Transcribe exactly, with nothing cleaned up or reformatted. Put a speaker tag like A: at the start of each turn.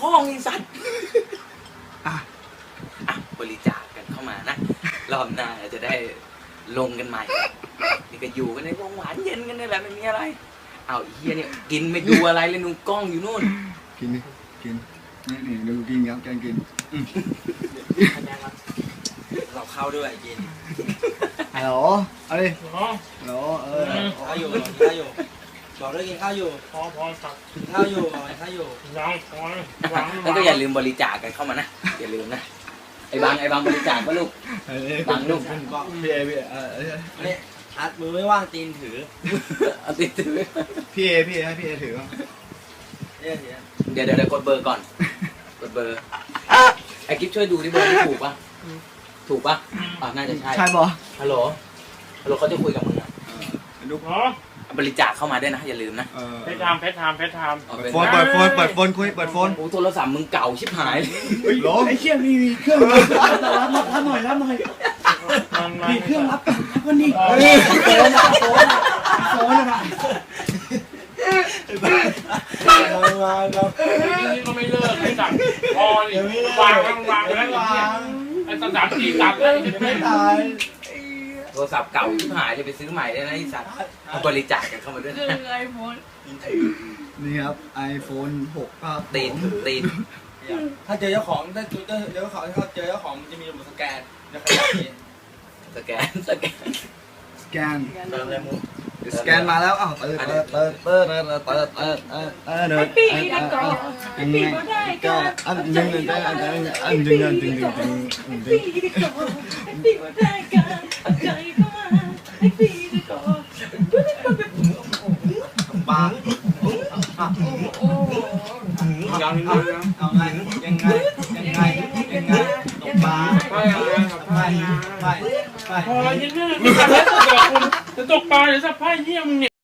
A: พ่อไอ้สัตว์อ่ะอ่ะบริจาคกันเข้ามานะรอบหน้าจะได้ลงกันใหม่นี่ก็อยู่กันในวงหวานเย็นกันนี่แหละไม่มีอะไรเอาไอ้เฮียเนี่ยกินไม่ดูอะไรเลยนุ่งกล้องอยู่นู่น
B: กินดิกินนี่นี่ดูกินครับแกงกิน
C: เราเข้าด้วยกิน
B: ฮัลโหลเอาดิฮัลโหลเออ
C: ข้าวอยู่กินข้าวอยู่บอกด้วยกินข้าวอยู่
D: พอพอสัก
C: กินข้าวอยู่บอกกินข้าวอยู่
D: ยังพอ
A: แล้วก็อย่าลืมบริจาคกันเข้ามานะอย่าลืมนะไอ้บางไอ้บางบริจาคก็ลูกบางลูก
C: บอก
B: พี่เอพี่เอเออ
C: เนี่ยอัดมือไม่ว่างตีนถือ
A: เอาติดถือ
B: พี่เอพี่เอให้พี่เอถือ
A: เดี๋ยวเดี๋ยวเดี๋ยวกดเบอร์ก่อนกดเบอร์ไอ้กิ๊ฟช่วยดูที่เบอร์ถูกป่ะถูกป่ะอ่าน่าจะใช่
B: ใช่ป่ะ
A: ฮัลโหลฮัลโหลเขาจะคุยกับมึงอ่ะ
B: ลูก
A: บริจาคเข้ามาด้วยนะอย่าลืมนะ
D: เพชรไทม์เพชรไทม์เพชรไทม์
B: โฟนเปิดโฟนเปิดโฟนคุยเปิดโฟน
A: โอ้โทรศัพท์มึงเก่าชิบหาย
B: หรอ
C: ไอ้เชี่ยมีมีเครื่องรับรับหน่อยรับหน่อยมีเครื่องรับรับคนนี้โฟนอะโฟนอะโฟนอะมาครับ
D: นี่ก็ไม่เลิกไม่สั่งพอนี่วางวางแล้วไอ้สามสี่ตับเลย
C: ไม่ตาย
A: โทรศัพท์เก่าชิบหายจะไปซื้อใหม่ได้นะไอ้สัตว์เอาบริจาคกันเข้ามาด้วย
E: คือไอโฟน
B: นี่ครับไอโฟนหกก็
A: ตีนตีน
C: ถ้าเจอเจ้าของถ้าเจอเจ้าของถ้าเจอเจ้าของมันจะมีระบบสแกนจะขยับนี่
A: สแกนสแกน
B: สแกน
C: เติมเลยมู
B: สแกนมาแล้วอ้าวเปิดเปิดเปิดเปิดเปิดเปิดเปิดเปิดเออเดิน
E: ปีนะก่อนปีก็ได้ก็
B: อันหนึ่งอันหนึ่งอันหนึ่งอันหนึ่งอันหนึ่งอันหนึ่งอันหนึ่ง
E: ปีก็ปีก็ได้ก็ใจก็มาไอ้ปีก็
C: บ้า
D: ยัง
C: เอาไงยังไงยังไงยังไงตกปลา
D: ไปไป
C: ไปไป
D: พอยังไงไม่ทำแล้วจะคุณจะตกปลาหรือสับไพ่เยี่ยมเนี่ย